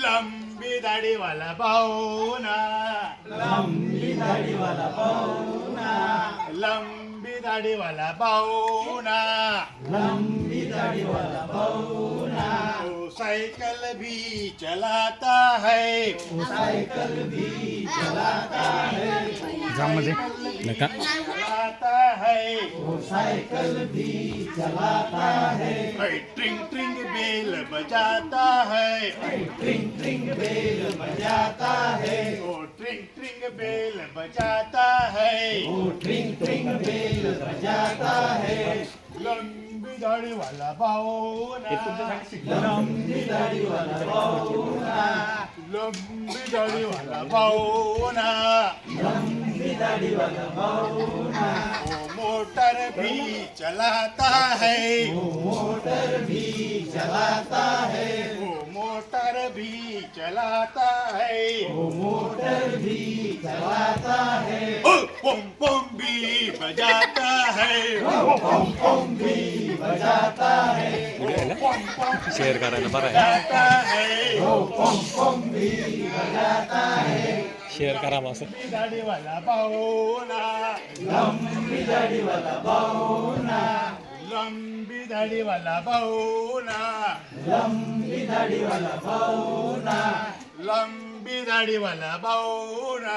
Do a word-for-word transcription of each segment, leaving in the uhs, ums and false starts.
लंबी दाढ़ी वाला पाहुणा, लंबी दाढ़ी वाला पाहुणा, लंबी दाढ़ी वाला पाहुणा, लंबी दाढ़ी वाला पाहुणा, वो साइकिल भी चलाता है, वो साइकिल भी चलाता है, जामध्ये नका चलाता है, वो साइकिल भी चलाता है, ऐ ट्रिंग ट्रिंग बेल बजाता है, ट्रिंग ट्रिंग बेल बजाता है, वो ट्रिंग ट्रिंग बेल बजाता है, वो ट्रिंग ट्रिंग बेल बजाता है, लंबी दाढ़ी वाला पाहुणा, लंबी दाढ़ी वाला पाहुणा, लंबी दाढ़ी वाला पाहुणा, लंबी दाढ़ी वाला पाहुणा, वो मोटर भी चलाता है, वो मोटर भी चलाता है, वो मोटर भी चलाता है, वो मोटर भी चलाता है, ओ पम पम भी बजाता है, पम पम भी बजाता है, पम पम शेअर करायला बरं आहे. बजाता है, वो पम पम भी बजाता है, शेअर करा मग असं. लंबी दाढ़ी वाला पाहुणा, लंबी दाढ़ी वाला पाहुणा, लंबी दाढ़ी वाला पाहुणा, लंबी दाढ़ी वाला पाहुणा, लंबी दाढ़ी वाला पाहुणा,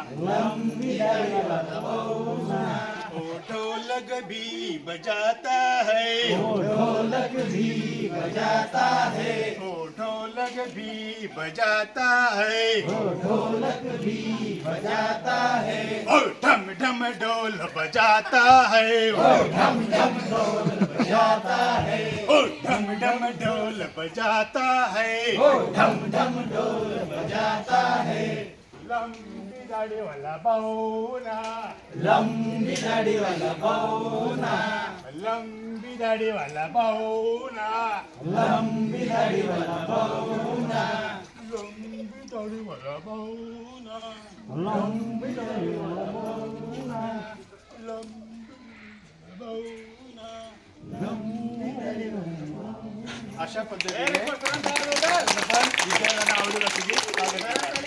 लंबी दाढ़ी वाला पाहुणा, वो ढोलक भी बजाता है, वो ढोलक भी बजाता है, वो ढोलक भी बजाता है, वो ढोलक भी बजाता है, और ढम ढम ढोल बजाता है, ढम ढम ढोल बजाता है, और ढम ढम ढोल बजाता है, ढम ढम ढोल बजाता है, लंबी दाढ़ी वाला पाहुणा, लंबी दाढ़ी वाला पाहुणा, लंबी दाढ़ी वाला पाहुणा, लंबी दाढ़ी वाला पाहुणा, लंबी दाढ़ी वाला पाहुणा, लंबी दाढ़ी वाला पाहुणा, लंबी पाहुणा. लंबी दाढ़ी वाला अशा पद्धतीने आपण विजयाला आवडेल अशी